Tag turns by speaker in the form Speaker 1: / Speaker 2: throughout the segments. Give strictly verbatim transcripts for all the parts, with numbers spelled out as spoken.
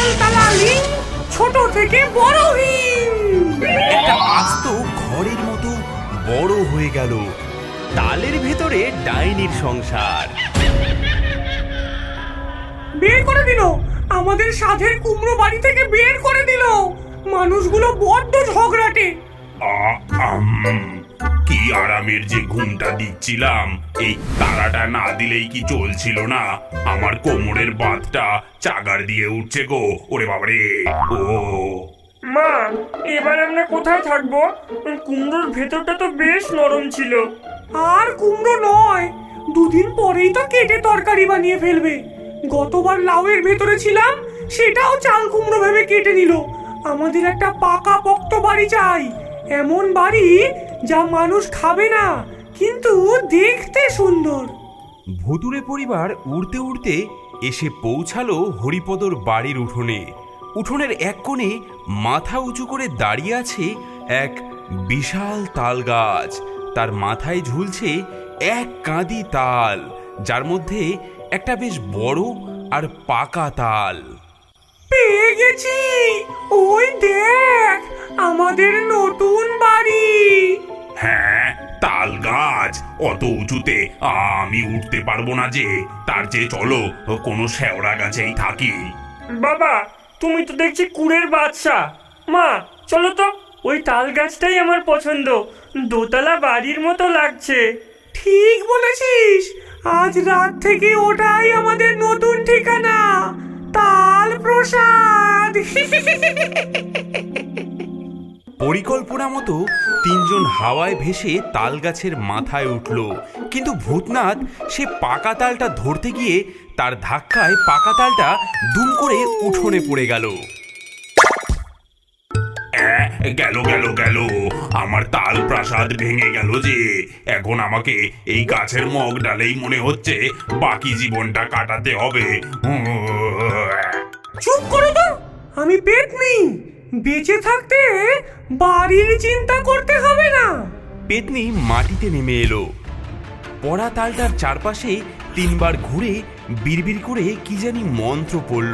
Speaker 1: Taltala link ছোট থেকে বড় হিং।
Speaker 2: একটা আস্ত ঘরের মতো বড় হয়ে গেল। তালের ভেতরে ডাইনির সংসার।
Speaker 1: বের করে দিল, আমাদের সাধের কুমড়ো বাড়ি থেকে বের করে দিল। মানুষগুলো বড্ড ঝগড়াটে।
Speaker 3: কি আরামের যে ঘুমটা দিচ্ছিলাম, এই তারাটা না দিলেই কি চলছিল না। আমার কোমরের বাতটা চাগার দিয়ে উঠছে গো। ওরে বাবারে। ও
Speaker 4: মা, এবার আমরা কোথায় থাকবো? কুমড়োর ভেতরটা তো বেশ নরম ছিল।
Speaker 1: আর কুমড়ো নয়, দুদিন পরেই তো কেটে তরকারি বানিয়ে ফেলবে। গতবার লাউয়ের ভেতরে ছিলাম, সেটাও চাল কুমড়ো ভেবে কেটে নিল। আমাদের একটা পাকা পোক্ত বাড়ি চাই, এমন বাড়ি যা মানুষ খাবে না কিন্তু দেখতে সুন্দর।
Speaker 2: ভুতুড়ে পরিবার উড়তে উড়তে এসে পৌঁছালো হরিপদর বাড়ির উঠোনে। উঠোনের এক কোণে মাথা উঁচু করে দাঁড়িয়ে আছে এক বিশাল তাল গাছ। তার মাথায় ঝুলছে এক কাঁদি তাল, যার মধ্যে একটা বেশ বড় আর পাকা তাল।
Speaker 1: পেয়ে গেছি, ওই দেখ আমাদের নতুন বাড়ি।
Speaker 3: হ্যাঁ, তাল গাছ অত উঁচুতে আমি উঠতে পারবো না যে। তার চেয়ে চলো কোনো শেওড়া গাছেই থাকি।
Speaker 4: বাবা, তুমি তো দেখছি কুড়ের বাদশা। মা চলো তো, ওই তাল গাছটাই আমার পছন্দ। দোতলা বাড়ির মতো লাগছে।
Speaker 1: ঠিক বলেছিস, আজ রাত থেকে ওটাই আমাদের নতুন ঠিকানা, তাল প্রসাদ।
Speaker 2: পরিকল্পনা মতো তিনজন হাওয়ায় ভেসে তাল গাছের মাথায় উঠল, কিন্তু ভূতনাথ সে পাকা তালটা ধরতে গিয়ে তার ধাক্কায় পাকা তালটা দুম করে উঠোনে পড়ে গেল।
Speaker 3: গেল গেল গেল, আমার তাল প্রাসাদ ভেঙে গেল যে। এখন আমাকে এই গাছের মগ ডালেই মনে হচ্ছে বাকি জীবনটা কাটাতে হবে।
Speaker 1: চুপ করো তো, আমি পেতনি। বেঁচে থাকতে বাড়ির চিন্তা করতে হবে না।
Speaker 2: পেতনি মাটিতে নেমে এলো। পড়া তালটার চারপাশে তিনবার ঘুরে বিড়বিড় করে কি জানি মন্ত্র পড়ল।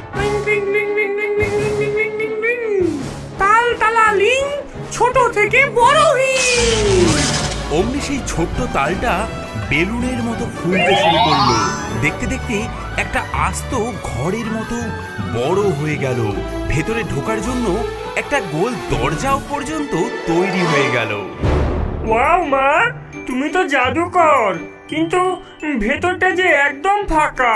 Speaker 1: তালতলা লিং ছোট থেকে বড় হিং।
Speaker 2: অমনি সেই ছোট্ট তালটা বেলুনের মতো ফুলতে শুরু করলো। দেখতে দেখতে একটা আস্ত ঘরের মতো বড় হয়ে গেল। ভেতরে ঢোকার জন্য একটা গোল দরজাও পর্যন্ত তৈরি হয়ে গেল।
Speaker 4: ওয়াও মা, তুমি তো জাদুকর, কিন্তু ভেতরটা যে একদম ফাঁকা।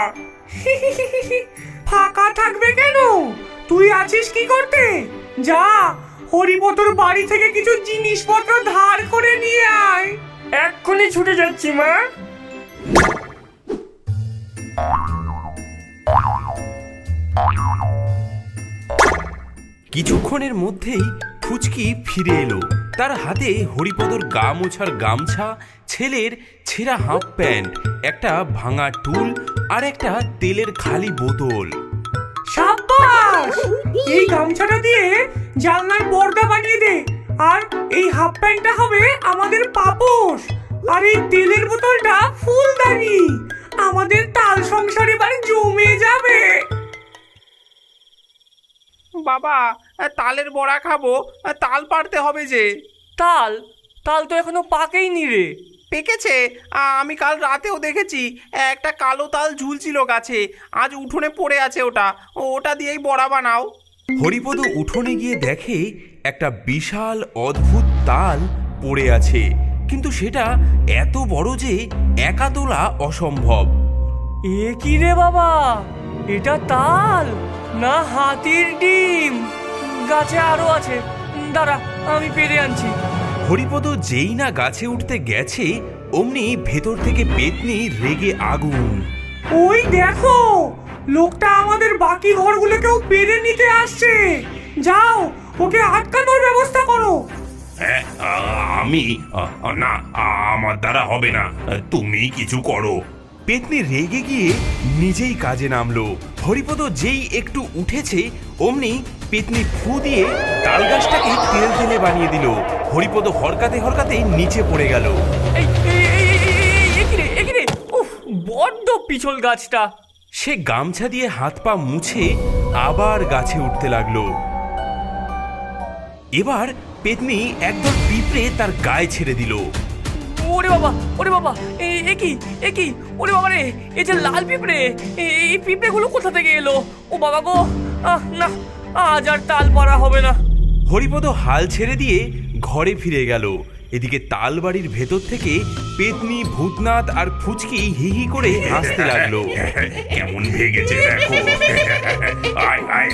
Speaker 1: ফাঁকা থাকবে কেন? তুই আছিস কি করতে? যা, হরিপদর বাড়ি থেকে কিছু জিনিসপত্র ধার করে নিয়ে আয়।
Speaker 4: এক্ষুনি ছুটে যাচ্ছি মা।
Speaker 2: কিছুক্ষণের মধ্যেই ফুচকি ফিরে এলো। তার হাতে হরিপদর গা মোছার গামছা, ছেলের ছেঁড়া হাফ প্যান্ট, একটা ভাঙা টুল আর একটা তেলের খালি বোতল।
Speaker 1: সাব্বাস! এই গামছাটা দিয়ে জানলার পর্দা বানিয়ে দে, আর এই হাফ প্যান্টটা হবে আমাদের পাপোশ, আর এই তেলের বোতলটা ফুলদানি। আমাদের তাল সংসার এবার জমে যাবে।
Speaker 5: বাবা, তালের বড়া খাবো, তাল পাড়তে হবে যে।
Speaker 4: তাল তাল তো এখনো পাকেইনি রে।
Speaker 5: পেকেছে, আমি কাল রাতেও দেখেছি একটা কালো তাল ঝুলছিল গাছে। আজ উঠোনে পড়ে আছে, ওটা ওটা দিয়েই বড়া বানাও।
Speaker 2: হরিপদ উঠোনে গিয়ে দেখে একটা বিশাল অদ্ভুত তাল পড়ে আছে, কিন্তু সেটা এত বড় যে একা তোলা অসম্ভব।
Speaker 4: এ কি রে বাবা, এটা তাল না হাতির ডিম? গাছে আরো আছে, দাঁড়া আমি পেরে আনছি।
Speaker 2: হরিপদ যেই না গাছে উঠতে গেছে, অমনি ভেতর থেকে পেতনি রেগে আগুন।
Speaker 1: ওই দেখো, লোকটা আমাদের বাকি ঘরগুলোকেও পেরে নিতে আসছে। যাও, ওকে আটকানোর ব্যবস্থা করো।
Speaker 3: হ্যাঁ, আমি না, আমার দ্বারা হবে না, তুমি কিছু করো।
Speaker 2: পেতনি রেগে গিয়ে নিজেই কাজে নামলো। হরিপদ যেই একটু উঠেছে, অমনি পেতনি ফু দিয়ে তাল গাছটাকে তেল তেলে বানিয়ে দিল। হরিপদ হরকাতে হরকাতে নিচে পড়ে গেল।
Speaker 4: এই এই এই এই একিরে একিরে, উফ বড্ড পিছল গাছটা।
Speaker 2: সে গামছা দিয়ে হাত পা মুছে আবার গাছে উঠতে লাগলো। এবার পেতনি একদল পিঁপড়ে তার গায়ে ছেড়ে দিল।
Speaker 4: ওরে বাবা, ওরে বাবা, এ- এ কি এ কি ওরে বাবা রে, এই যে লাল পিঁপড়ে, এ- এই পিঁপড়েগুলো কোথা থেকে এলো? ও বাবা গো, আহ না, আজ আর তাল পারা হবে না।
Speaker 2: হরিপদ হাল ছেড়ে দিয়ে ঘরে ফিরে গেল। এদিকে তালবাড়ির ভেতর থেকে পেতনি, ভূতনাথ আর ফুচকি হি হি করে হাসতে লাগলো।
Speaker 3: কেমন ভেগেছে দেখো। আয় আয়।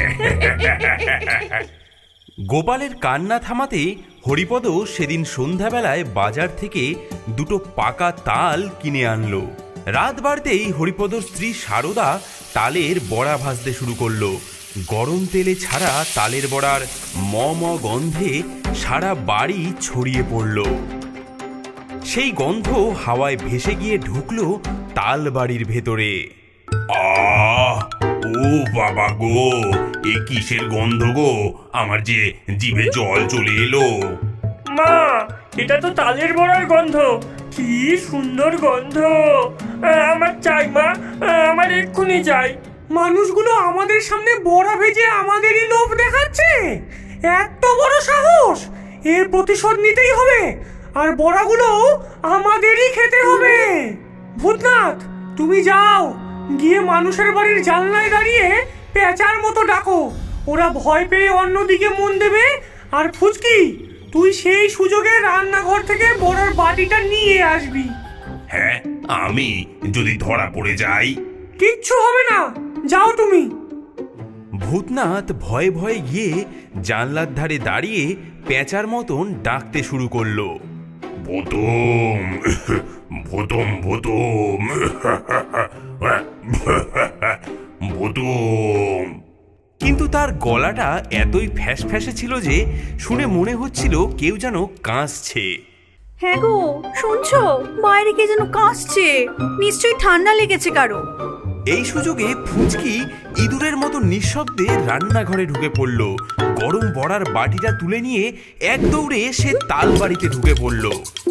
Speaker 2: গোপালের কান্না থামাতে হরিপদ সেদিন সন্ধ্যাবেলায় বাজার থেকে দুটো পাকা তাল কিনে আনলো। রাত বাড়তেই হরিপদর স্ত্রী সারদা তালের বড়া ভাজতে শুরু করলো। গরম তেলে ছাড়া তালের বড়ার ম ম গন্ধে সারা বাড়ি ছড়িয়ে পড়ল। সেই গন্ধ হাওয়ায় ভেসে গিয়ে ঢুকলো তাল বাড়ির ভেতরে।
Speaker 3: আহ ও বাবা গো, এ কিসের গন্ধ গো? আমার যে জিভে জল চলে এলো।
Speaker 4: মা, এটা তো তালের বড়ার গন্ধ। কি সুন্দর গন্ধ! আমার চাই মা, আমার এক্ষুনি চাই।
Speaker 1: মানুষগুলো আমাদের সামনে বড়া ভেজে আমাদেরই লোভ দেখাচ্ছে। এত বড় সাহস! এর প্রতিশোধ নিতেই হবে, আর বড়াগুলো আমাদেরই খেতে হবে। ভূতনাথ, তুমি যাও, গিয়ে মানুষের বাড়ির জানলায় দাঁড়িয়ে পেঁচার মতো ডাকো। ওরা ভয় পেয়ে অন্যদিকে মন দেবে। আর ফুচকি, তুই সেই সুযোগে রান্নাঘর থেকে বড়ার বাটিটা নিয়ে আসবি।
Speaker 3: হ্যাঁ, আমি যদি ধরা পড়ে যাই?
Speaker 1: কিচ্ছু হবে না, যাও তুমি।
Speaker 2: ভূতনাথ ভয়ে ভয়ে গিয়ে জানলার ধারে দাঁড়িয়ে পেঁচার মতন ডাকতে শুরু করলো।
Speaker 3: ভূতম ভূতম ভূতম ভূতম।
Speaker 2: কিন্তু তার গলাটা এতই ফ্যাস ফ্যাসে ছিল যে শুনে মনে হচ্ছিল কেউ যেন কাঁসছে।
Speaker 6: হ্যাঁ গো, শুনছো? বাইরে কে যেন কাশছে, নিশ্চয়ই ঠান্ডা লেগেছে কারো।
Speaker 2: এই সুযোগে ফুচকি ইঁদুরের মতো নিঃশব্দে রান্নাঘরে ঢুকে পড়ল। গরম বড়ার বাটিটা তুলে নিয়ে এক দৌড়ে সে তাল বাড়িতে ঢুকে পড়ল।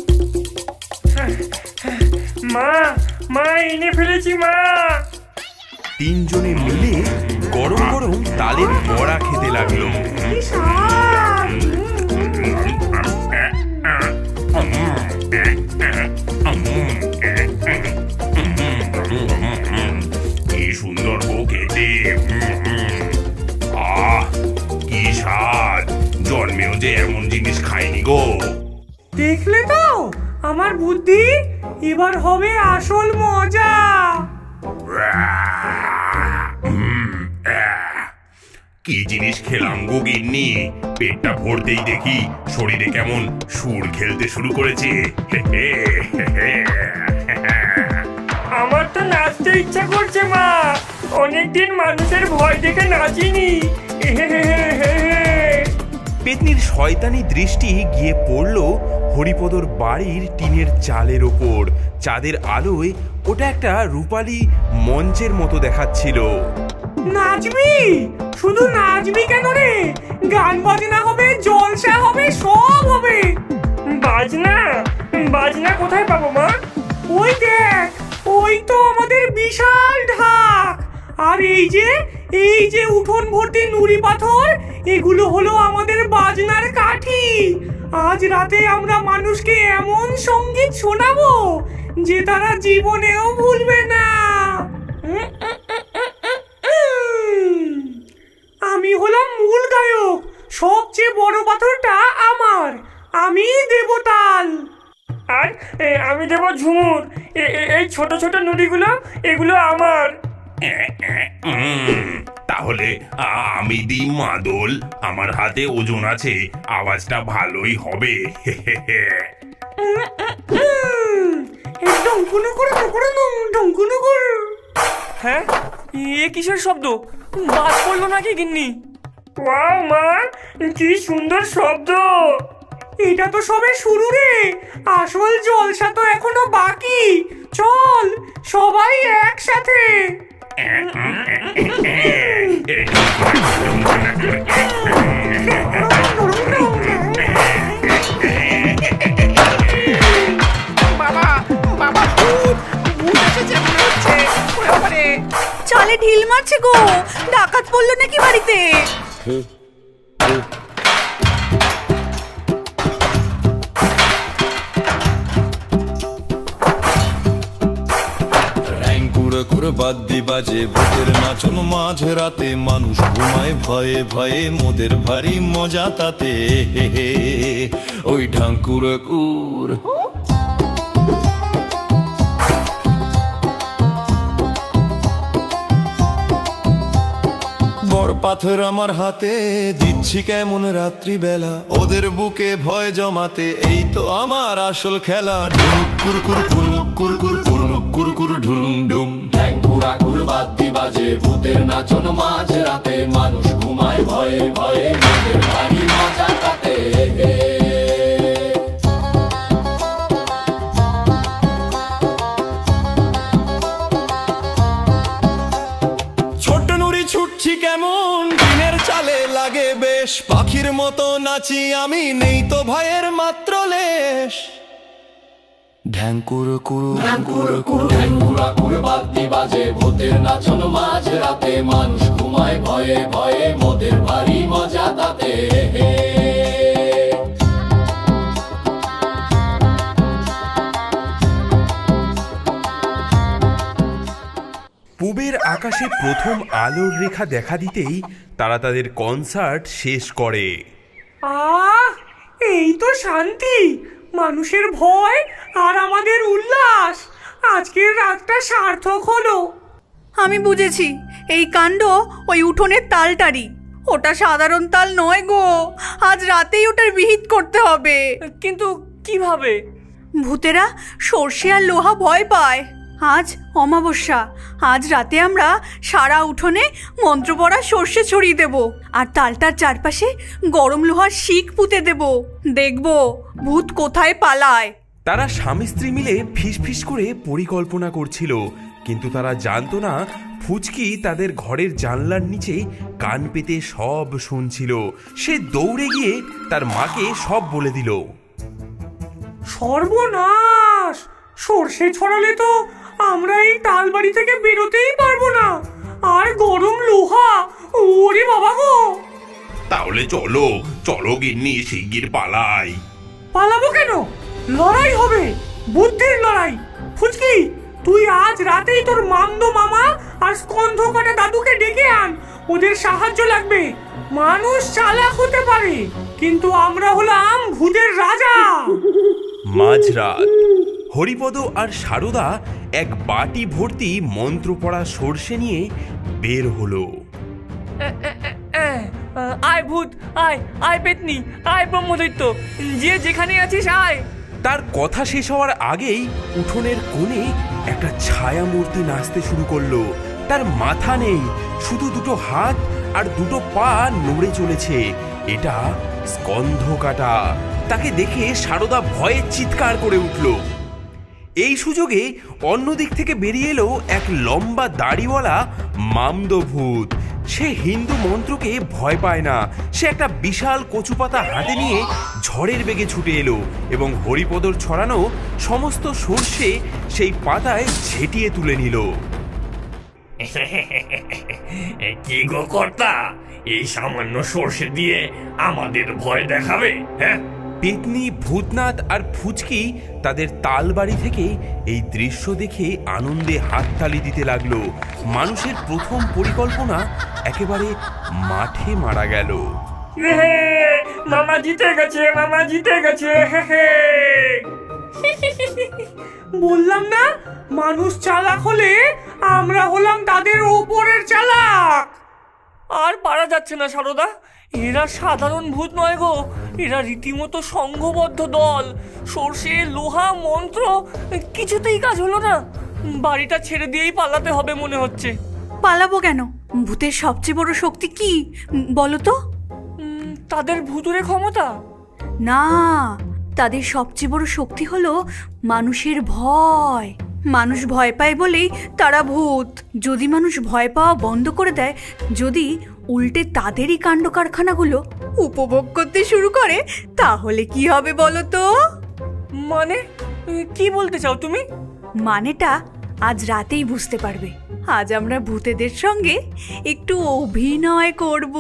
Speaker 4: মা, মা, এনে ফেলেছি মা।
Speaker 2: তিনজনে মিলে গরম গরম তালের বড়া খেতে লাগলো।
Speaker 1: কি স্বাদ!
Speaker 3: কি সুন্দর গো খেতে। আহ কি স্বাদ! জন্মেও যে এমন জিনিস খাইনি গো।
Speaker 1: দেখলে তো আমার বুদ্ধি, এবার হবে আসল মজা।
Speaker 3: উম, আহ, কি জিনিস খেলাম গো গিন্নি। পেটটা ভরতেই দেখি শরীরে কেমন সুর খেলতে শুরু করেছে।
Speaker 4: আমার তো নাচতে ইচ্ছা করছে মা। অনেকদিন মানুষের ভয় দেখে নাচিনি।
Speaker 2: পেতনির শয়তানি দৃষ্টি গিয়ে পড়ল হরিপদর বাড়ির টিনের চালের ওপর। চাঁদের আলোয় ওটা একটা রূপালী মঞ্চের মতো দেখাচ্ছিল।
Speaker 1: নাচবি? শুধু নাচবি কেন রে? গান বাজনা হবে, জলসা হবে, সব হবে।
Speaker 4: বাজনা? বাজনা কোথায় পাবো মা?
Speaker 1: ওই দেখ, ওই তো আমাদের বিশাল ঢাক। আর এই যে এই যে উঠোন ভর্তি নুড়ি পাথর, এগুলো হলো আমাদের বাজনার কাঠি। আজ রাতে আমরা মানুষকে এমন সঙ্গীত শোনাবো যে তারা জীবনেও ভুলবে না। আমি হলাম মূল গায়ক, সবচেয়ে বড় পাথরটা আমার, আমি দেব তাল।
Speaker 4: আর এ, আমি দেবো ঝুমুর। এ- এ- এই ছোট ছোট নুড়িগুলো, এগুলো আমার।
Speaker 3: উম, তাহলে আ- আমি দিই মাদল। আমার হাতে ওজন আছে, আওয়াজটা ভালোই হবে।
Speaker 1: ডঙ্কুনো করে করে ডঙ্কুনো করে।
Speaker 4: হ্যাঁ, এ কিসের শব্দ? বাজ পড়লো নাকি গিন্নি? ওয়াও মা, কি সুন্দর শব্দ!
Speaker 1: এটা তো সবে শুরু রে, আসল জলসা তো এখনো বাকি। চল সবাই একসাথে।
Speaker 5: বাবা, বাবা, ভূত! ভূত এসেছে মনে হচ্ছে। ওরে বাবারে!
Speaker 6: চালে ঢিল মারছে গো, ডাক ডাকাত পড়লো নাকি বাড়িতে?
Speaker 7: বাদ্যি বাজে ভূতের নাচন মাঝ রাতে, মানুষ ঘুমায় ভয়ে ভয়ে, মোদের ভারী মজা তাতে। হে হে ওই ঢাঙ্কুর কুর বড় পাথর আমার হাতে, দিচ্ছি কেমন রাত্রিবেলা ওদের বুকে ভয় জমাতে। এই তো আমার আসল খেলা, ঢুলুক কুরকুর কুরুক কুরকুর কুরুক কুরকুর ঢুলুম ডুম।
Speaker 8: ঘুরা ঘুর বাদ্যি বাজে ভূতের নাচন মাঝ রাতে, মানুষ ঘুমায় ভয়ে ভয়ে, মোদের ভারী মজা তাতে।
Speaker 7: ছোট নুড়ি ছুটছি কেমন দিনের চালে লাগে বেশ, পাখির মতো নাচি আমি, নেই তো ভয়ের মাত্র লেশ। ঢ্যাঙ্কুর কুরু
Speaker 8: ঘুর ঘুর ঘুরা ঘুর বাদ্যি বাজে ভূতের নাচন মাঝ রাতে, মানুষ ঘুমায় ভয়ে ভয়ে, মোদের ভারী মজা তাতে।
Speaker 2: পূবের আকাশে প্রথম আলোর রেখা দেখা দিতেই তারা তাদের কনসার্ট শেষ করে।
Speaker 1: আহ, এই তো শান্তি, মানুষের ভয় আর আমাদের উল্লাস। আজকের রাতটা সার্থক হলো।
Speaker 6: আমি বুঝেছি, এই কাণ্ড ওই উঠোনের তালটারি। ওটা সাধারণ তাল নয় গো, আজ রাতেই ওটার বিহিত করতে হবে।
Speaker 4: কিন্তু কিভাবে?
Speaker 6: ভূতেরা সর্ষে আর লোহা ভয় পায়। আজ অমাবস্যা, আজ রাতে আমরা সারা উঠোনে মন্ত্র পড়া সর্ষে ছড়িয়ে দেব, আর তালটার চারপাশে গরম লোহার শিক পুঁতে দেব। দেখব ভূত কোথায় পালায়।
Speaker 2: তারা স্বামী স্ত্রী মিলে ফিসফিস করে পরিকল্পনা করছিল, কিন্তু তারা জানতো না ফুচকি তাদের ঘরের জানলার নিচে কান পেতে সব শুনছিল। সে দৌড়ে গিয়ে তার মাকে সব বলে দিল।
Speaker 1: সর্বনাশ! সর্ষে ছড়ালে তো আমরা এই তালবাড়ি থেকে বেরোতেই পারবো না। আর গরম লোহা, ওরে বাবা গো!
Speaker 3: তাহলে চলো চলো গিন্নি, শিগগির পালাই।
Speaker 1: পালাবো কেন? লড়াই হবে, বুদ্ধির লড়াই। ফুচকি, তুই আজ রাতেই তোর মামদো মামা আর স্কন্ধ কাটা দাদুকে ডেকে আন। ওদের সাহায্য লাগবে। মানুষ চালাক হতে পারে, কিন্তু আমরা হলাম ভূতের রাজা।
Speaker 2: মাঝরাত হরিপদ আর সারদা এক বাটি ভর্তি মন্ত্র পড়া সর্ষে নিয়ে বের হলো।
Speaker 4: আয় ভূত, আয় আয় পেতনি, আয় ব্রহ্মদৈত্য, যে যেখানে আছিস আয়।
Speaker 2: তার কথা শেষ হওয়ার আগেই উঠোনের কোণে একটা ছায়া মূর্তি নাচতে শুরু করলো। তার মাথা নেই, শুধু দুটো হাত আর দুটো পা নড়ে চলেছে। এটা স্কন্ধ কাটা। তাকে দেখে সারদা ভয়ে চিৎকার করে উঠল। এই সুযোগে অন্যদিক থেকে বেরিয়ে এলো এক লম্বা দাড়িওয়ালা মামদো ভূত। সে হিন্দু মন্ত্রকে ভয় পায় না। সে একটা বিশাল কচুপাতা হাতে নিয়ে ঝড়ের বেগে ছুটে এলো এবং হরিপদর ছড়ানো সমস্ত সর্ষে সেই পাতায় ঝেঁটিয়ে তুলে নিল।
Speaker 3: কি গো কর্তা, এই সামান্য সর্ষে দিয়ে আমাদের ভয় দেখাবে? হ্যাঁ,
Speaker 2: পেতনি, ভূতনাথ আর ফুচকি তাদের তালবাড়ি থেকে এই দৃশ্য দেখে আনন্দে হাততালি দিতে লাগলো। মানুষের প্রথম পরিকল্পনা একেবারে মাঠে মারা গেল।
Speaker 1: মামা জিতে গেছে, মামা জিতে গেছে। বললাম না, মানুষ চালাক হলে আমরা হলাম তাদের ওপরের চালাক।
Speaker 4: আর পারা যাচ্ছে না সারদা, এরা সাধারণ ভূত নয় গো, এরা রীতিমতো সংঘবদ্ধ দল। সর্ষে, লোহা, মন্ত্র কিছুতেই কাজ হলো না। বাড়িটা ছেড়ে দিয়েই পালাতে হবে মনে হচ্ছে।
Speaker 6: পালাবো কেন? ভূতের সবচেয়ে বড় শক্তি কি বলো তো?
Speaker 4: উম, তাদের ভুতুরে ক্ষমতা?
Speaker 6: না, তাদের সবচেয়ে বড় শক্তি হলো মানুষের ভয়। মানুষ ভয় পায় বলেই তারা ভূত। যদি মানুষ ভয় পাওয়া বন্ধ করে দেয়, যদি উল্টে তাদেরই কাণ্ড কারখানাগুলো উপভোগ করতে শুরু করে, তাহলে কি হবে বলো তো?
Speaker 4: মানে কি বলতে চাও তুমি?
Speaker 6: মানেটা আজ রাতেই বুঝতে পারবে। আজ আমরা ভূতেদের সঙ্গে একটু অভিনয় করব।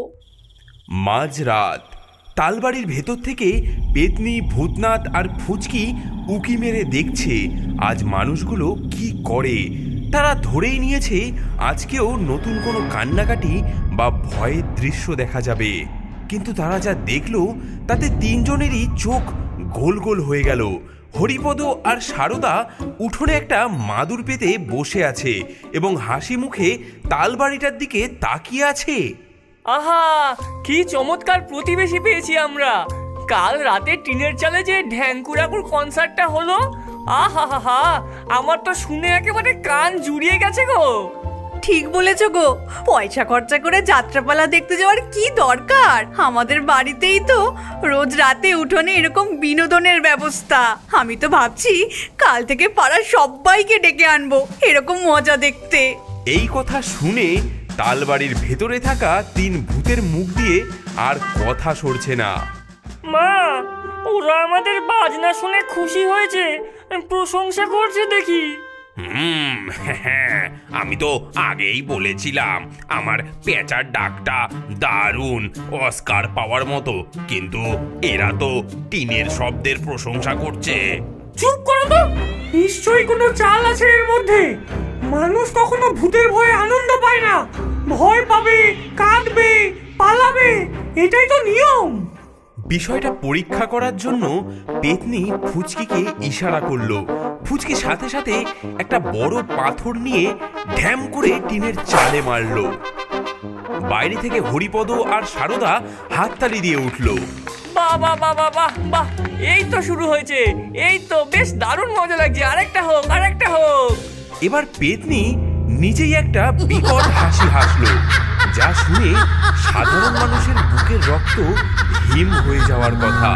Speaker 2: মাঝরাত তালবাড়ির ভেতর থেকে পেতনি, ভূতনাথ আর ফুচকি উকি মেরে দেখছে আজ মানুষগুলো কি করে। তারা ধরেই নিয়েছে আজকেও নতুন কোনো কান্নাকাটি বা ভয়ের দৃশ্য দেখা যাবে। কিন্তু তারা যা দেখলো তাতে তিনজনেরই চোখ গোল গোল হয়ে গেল। হরিপদ আর সারদা উঠোনে একটা মাদুর পেতে বসে আছে এবং হাসি মুখে তালবাড়িটার দিকে তাকিয়ে আছে।
Speaker 4: আহা, কি চমৎকার প্রতিবেশী পেয়েছি আমরা। কাল রাতে টিনের চালে যে ঢ্যাঙ্কুরাকুর কনসার্টটা হলো, আহা হা হা, আমার তো শুনে একেবারে কান জুড়িয়ে গেছে গো।
Speaker 6: ঠিক বলেছ গো, পয়সা খরচা করে যাত্রাপালা দেখতে যাওয়ার কি দরকার? আমাদের বাড়িতেই তো রোজ রাতে উঠোনে এরকম বিনোদনের ব্যবস্থা। আমি তো ভাবছি কাল থেকে পাড়ার সবাইকে ডেকে আনবো এরকম মজা দেখতে।
Speaker 2: এই কথা শুনে তালবাড়ির ভেতরে থাকা তিন ভূতের মুখ দিয়ে আর কথা সরছে না।
Speaker 4: মা, ওরা আমাদের বাজনা শুনে খুশি হয়েছে, প্রশংসা করছে দেখি।
Speaker 3: হুম, হ্যাঁ, আমি তো আগেই বলেছিলাম আমার পেঁচার ডাকটা দারুণ, অস্কার পাওয়ার মতো। কিন্তু এরা তো টিনের শব্দের প্রশংসা করছে।
Speaker 1: চুপ করো তো, নিশ্চয়ই কোনো চাল আছে এর মধ্যে। মানুষ কখনো ভূতের ভয়ে আনন্দ পায় না, ভয় পাবে, কাঁদবে, পালাবে, এটাই তো নিয়ম।
Speaker 2: বিষয়টা পরীক্ষা করার জন্য পেতনি ফুচকিকে ইশারা করলো। ফুচকি সাথে সাথে একটা বড় পাথর নিয়ে ঢ্যাম করে টিনের চালে মারলো। বাইরে থেকে হরিপদ আর সারদা হাততালি দিয়ে উঠলো।
Speaker 4: বাহ বাহ বাহ বাহ বাহ বাহ, এই তো শুরু হয়েছে, এই তো বেশ দারুণ মজা লাগছে। আরেকটা হোক, আরেকটা হোক।
Speaker 2: এবার পেতনি নিজেই একটা বিকট হাসি হাসলো, যা শুনে সাধারণ মানুষের বুকের রক্ত হিম হয়ে যাওয়ার কথা।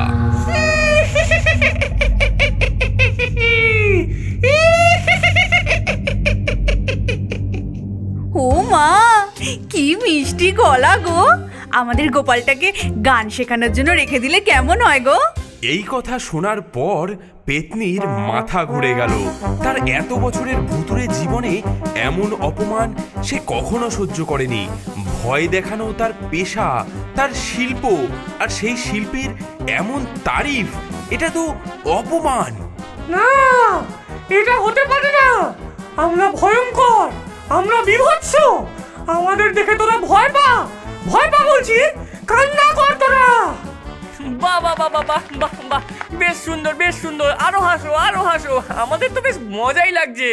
Speaker 6: ও মা, কি মিষ্টি গলা গো! আমাদের গোপালটাকে গান শেখানোর জন্য রেখে দিলে কেমন হয় গো?
Speaker 2: এই কথা শোনার পর পেতনির মাথা ঘুরে গেল। তার এত বছরের ভুতুরে জীবনে এমন অপমান সে কখনো সহ্য করেনি। ভয় দেখানো তার পেশা, তার শিল্প, আর সেই শিল্পের এমন তারিফ, এটা তো অপমান।
Speaker 1: না, এটা হতে পারে না। আমরা ভয়ঙ্কর, আমরা বিভৎস। আমাদের দেখে তোরা ভয় পা, ভয় পা বলছি, কান্না কর তোরা।
Speaker 4: বাহ বাহ বাহ বাহ বাহ বাহ বাহ, বেশ সুন্দর, বেশ সুন্দর। আরো হাসো, আরো হাসো, আমাদের তো বেশ মজাই লাগছে।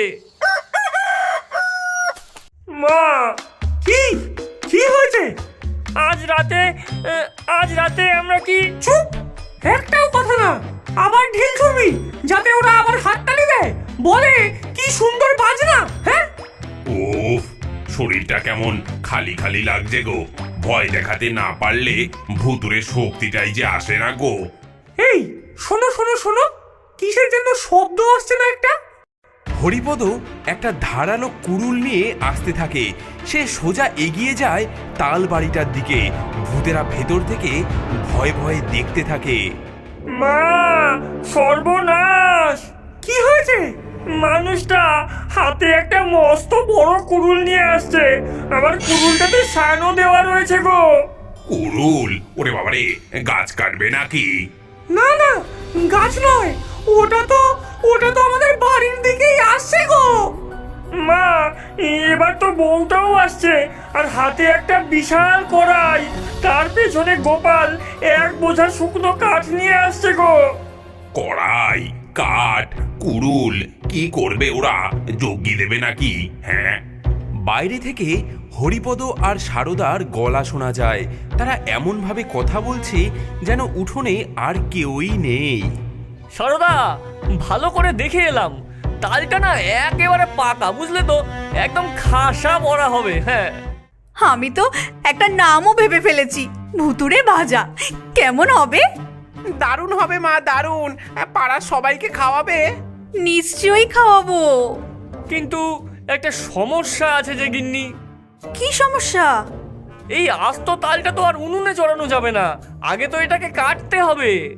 Speaker 4: মা,
Speaker 1: কি কি হয়েছে?
Speaker 4: আজ রাতে আহ, আজ রাতে আমরা কি
Speaker 1: চুপ, একটাও কথা না। আবার ঢিল ছুড়বি যাতে ওরা আবার হাততালি দেয়, বলে কি সুন্দর বাজনা। হ্যাঁ,
Speaker 3: ওফ, শরীরটা কেমন খালি খালি লাগছে গো। ভয় দেখাতে না পারলে ভুতুরে শক্তিটাই যে আসে না গো।
Speaker 1: এই শোনো শোনো শোনো, কিসের যেন শব্দ আসছে না একটা?
Speaker 2: হরিপদ একটা ধারালো কুড়ুল নিয়ে আসতে থাকে। সে সোজা এগিয়ে যায় তাল বাড়িটার দিকে। ভূতেরা ভেতর থেকে ভয়ে ভয়ে দেখতে থাকে।
Speaker 4: মা, সর্বনাশ!
Speaker 1: কি হয়েছে?
Speaker 4: মানুষটা হাতে একটা মস্ত বড় কুড়ুল নিয়ে আসছে। আমার কুড়ুলটাতে সানও দেওয়া রয়েছে গো।
Speaker 3: কুড়ুল? ওরে বাবারে, গাছ কাটবে নাকি?
Speaker 1: না না, গাছ নয়, ওটা তো ওটা তো আমাদের বাড়ির দিকেই আসছে গো।
Speaker 4: মা, এবার তো বউটাও আসছে, আর হাতে একটা বিশাল কড়াই। তার পেছনে গোপাল এক বোঝা শুকনো কাঠ নিয়ে আসছে গো।
Speaker 3: কড়াই, কাঠ, কুড়ুল, কি করবে ওরা? যজ্ঞি দেবে নাকি? হ্যাঁ।
Speaker 2: বাইরে থেকে হরিপদ আর সারদার গলা শোনা যায়। তারা এমনভাবে কথা বলছে যেন উঠোনে আর কেউই নেই।
Speaker 4: সারদা, ভালো করে দেখে এলাম, তালটা না একেবারে পাকা, বুঝলে তো? একদম খাসা বড়া হবে। হ্যাঁ,
Speaker 6: আমি তো একটা নামও ভেবে ফেলেছি, ভুতুরে ভাজা। কেমন হবে?
Speaker 5: দারুণ হবে মা, দারুণ। পাড়ার সবাইকে খাওয়াবে?
Speaker 6: নিশ্চয়ই খাওয়াবো।
Speaker 4: কিন্তু একটা সমস্যা আছে যে গিন্নি।
Speaker 6: কি সমস্যা?
Speaker 4: এই আস্ত তালটা তো আর উনুনে চড়ানো যাবে না, আগে তো এটাকে কাটতে হবে।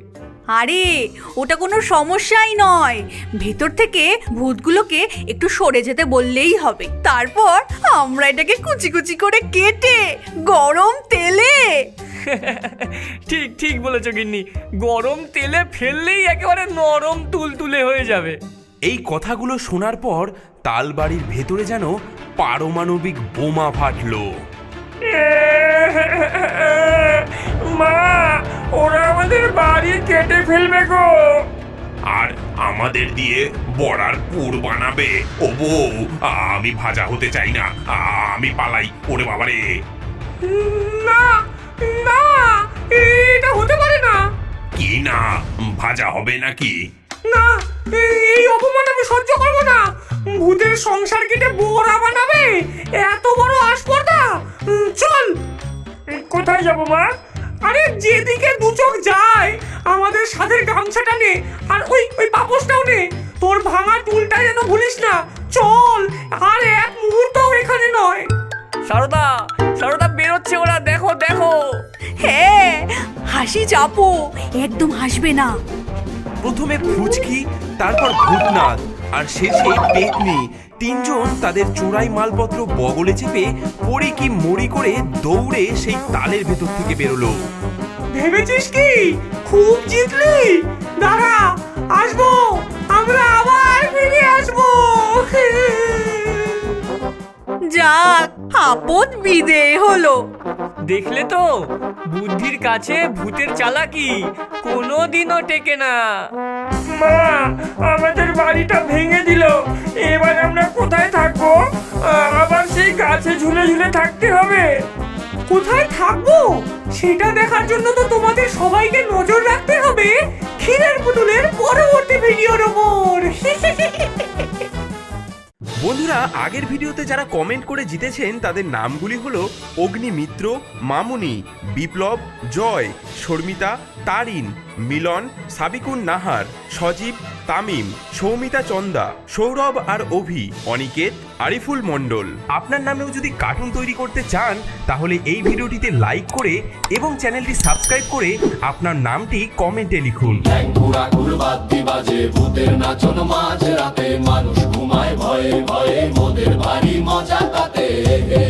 Speaker 6: আরে ওটা কোনো সমস্যাই নয়, ভেতর থেকে ভূতগুলোকে একটু সরে যেতে বললেই হবে। তারপর আমরা এটাকে কুচি কুচি করে কেটে গরম তেলে
Speaker 4: ঠিক ঠিক বলেছো গিন্নি, গরম তেলে ফেললেই একেবারে নরম তুলতুলে হয়ে যাবে।
Speaker 2: এই কথাগুলো শোনার পর তালবাড়ির ভেতরে যেন পারমাণবিক বোমা ফাটলো।
Speaker 4: মা, ওরা আমাদের বাড়ি কেটে ফেলবে গো।
Speaker 3: আর আমাদের দিয়ে বড়ার পুর বানাবে। ও বউ, আমি ভাজা হতে চাই না, আমি পালাই। ওরে বাবারে!
Speaker 1: না না, এটা হতে পারে না।
Speaker 3: কি না, ভাজা হবে নাকি?
Speaker 1: না, এই অপমান আমি সহ্য করবো না। ভূতের সংসার কেটে বড়া বানাবে, এত বড় আসপর্দা। উম, চল।
Speaker 4: কোথায় যাবো মা?
Speaker 1: আরে যেদিকে দু চোখ যায় আমাদের সাথে গামছাটা নে, আর ওই ওই পাপোশটাও নে। তোর ভাঙা টুলটা যেন ভুলিস না। চল, আর এক মুহূর্তও এখানে নয়।
Speaker 4: সারদা, সারদা বেরোচ্ছে ওরা, দেখো দেখো।
Speaker 6: হ্যাঁ, হাসি চাপো, একদম হাসবে না।
Speaker 2: প্রথমে ফুচকি, তারপর ভূতনাথ আর শেষে পেতনি, তিনজন তাদের চোরাই মালপত্র বগলে চেপে পড়ি কি মরি করে দৌড়ে সেই তালের ভেতর থেকে বেরোলো।
Speaker 1: ভেবেছিস কি খুব জিতলি? দাঁড়া, আসবো, আমরা আবার ফিরে আসবো।
Speaker 6: যাক, আপদ বিদেয় হলো।
Speaker 4: দেখলে তো, বুদ্ধির কাছে ভূতের চালাকি কোনোদিনও টেকে না। মা, আমাদের বাড়িটা ভেঙে দিল, এবার আমরা কোথায় থাকবো? আবার সেই গাছে ঝুলে ঝুলে থাকতে হবে।
Speaker 1: কোথায় থাকবো সেটা দেখার জন্য তো তোমাদের সবাইকে নজর রাখতে হবে ক্ষীরের পুতুলের পরবর্তী ভিডিওর ওপর।
Speaker 2: বন্ধুরা, আগের ভিডিওতে যারা কমেন্ট করে জিতেছেন তাদের নামগুলি হলো অগ্নিমিত্র, মামুনি, বিপ্লব, জয়, শর্মিতা, তারিন, মিলন, সাবিকুন নাহার, সজীব, তামিম, সৌমিতা চন্দা, সৌরভ আর অভি, অনিকেত, আরিফুল মণ্ডল। আপনার নামেও যদি কার্টুন তৈরি করতে চান তাহলে এই ভিডিওটিতে লাইক করে এবং চ্যানেলটি সাবস্ক্রাইব করে আপনার নামটি কমেন্টে লিখুন।
Speaker 8: ঘুরা ঘুরবাদ্দি বাজে ভূতের নাচন মাঝ রাতে মানুষ ঘুমায় ভয়ে ভয়ে মোদের ভারী মজা তাতে